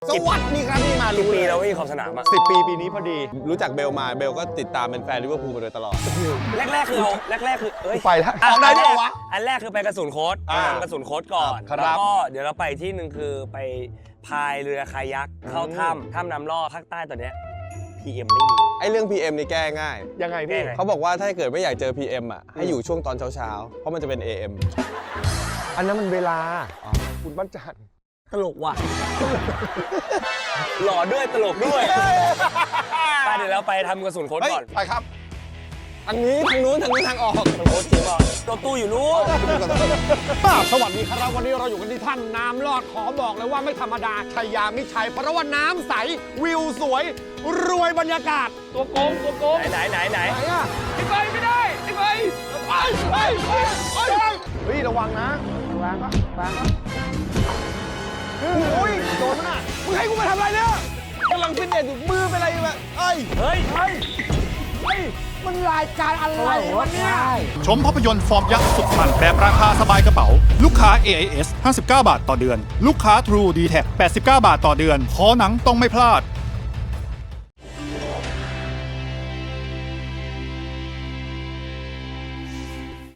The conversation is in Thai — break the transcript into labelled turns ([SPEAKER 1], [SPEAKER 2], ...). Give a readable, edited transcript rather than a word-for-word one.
[SPEAKER 1] สวัสดีครับนี่มา
[SPEAKER 2] กี่
[SPEAKER 1] รู้
[SPEAKER 2] ปี
[SPEAKER 1] เลย
[SPEAKER 2] แล้ววิ่งขอบสนามอ่ะ
[SPEAKER 1] 10 ปีปีนี้พอดี รู้จักเบลมาเบลก็ติดตามเป็นแฟนลิเวอร์พูลมาโดยตลอด
[SPEAKER 2] แรกๆคือเอ้ย
[SPEAKER 1] ไปแล้วออกได้ด้วยวะ
[SPEAKER 2] อันแรกคือไปกระสุนโค้ดกระสุนโค้ดก่อน
[SPEAKER 1] ครับ
[SPEAKER 2] แล้วก็เดี๋ยวเราไปที่หนึ่งคือไปพายเรือคายักเข้าถ้ำน้ำลอดภาคใต้ตอนเนี้ย PM ไม่มี
[SPEAKER 1] ไอ้เรื่อง PM นี่แก้ง่าย
[SPEAKER 3] ยังไงพี่
[SPEAKER 1] เขาบอกว่าถ้าเกิดไม่อยากเจอ PM อ่ะให้อยู่ช่วงตอนเช้าๆเพราะมันจะเป็น AM
[SPEAKER 3] อันนั้นมันเวลาคุณบ้านจันทร์
[SPEAKER 2] ตลกว่ะ หล่อด้วยตลกด้วยไปเดี๋ยวเราไปทำกระสุนโค้ด
[SPEAKER 1] เฮ้ย
[SPEAKER 2] ก่อน
[SPEAKER 1] ไปครับทางนี้ทางนู้นทางนี้ทางออก
[SPEAKER 2] กระสุนโค้ดจริงเปล่ารถตู้อยู่นู้น
[SPEAKER 3] สวัสดีครับวันนี้เราอยู่กันที่ถ้ำน้ำลอดขอบอกเลยว่าไม่ธรรมดาชัยยามิชัยเพราะว่าน้ำใสวิวสวยรวยบรรยากาศตัวโกง
[SPEAKER 2] ไหน
[SPEAKER 3] ไหนอ่ะไม่ได้ไปเฮ้ยระวังนะระวังโอ้ยโดนมันอ่ะมึงให้กูมาทำอะไรเนี่ย
[SPEAKER 1] กำลังฟิตเนสอยู่มือเป็นอะไรแบบเอ้ย
[SPEAKER 2] เฮ้ย
[SPEAKER 3] มันรายการอะไรวะเนี่ย
[SPEAKER 4] ชมภาพยนตร์ฟอร์มยักษ์สุดมันแบบราคาสบายกระเป๋า ลูกค้า AIS 59 บาทต่อเดือน ลูกค้า True d t แท 89 บาทต่อเดือน ขอหนังต้องไม่พลาด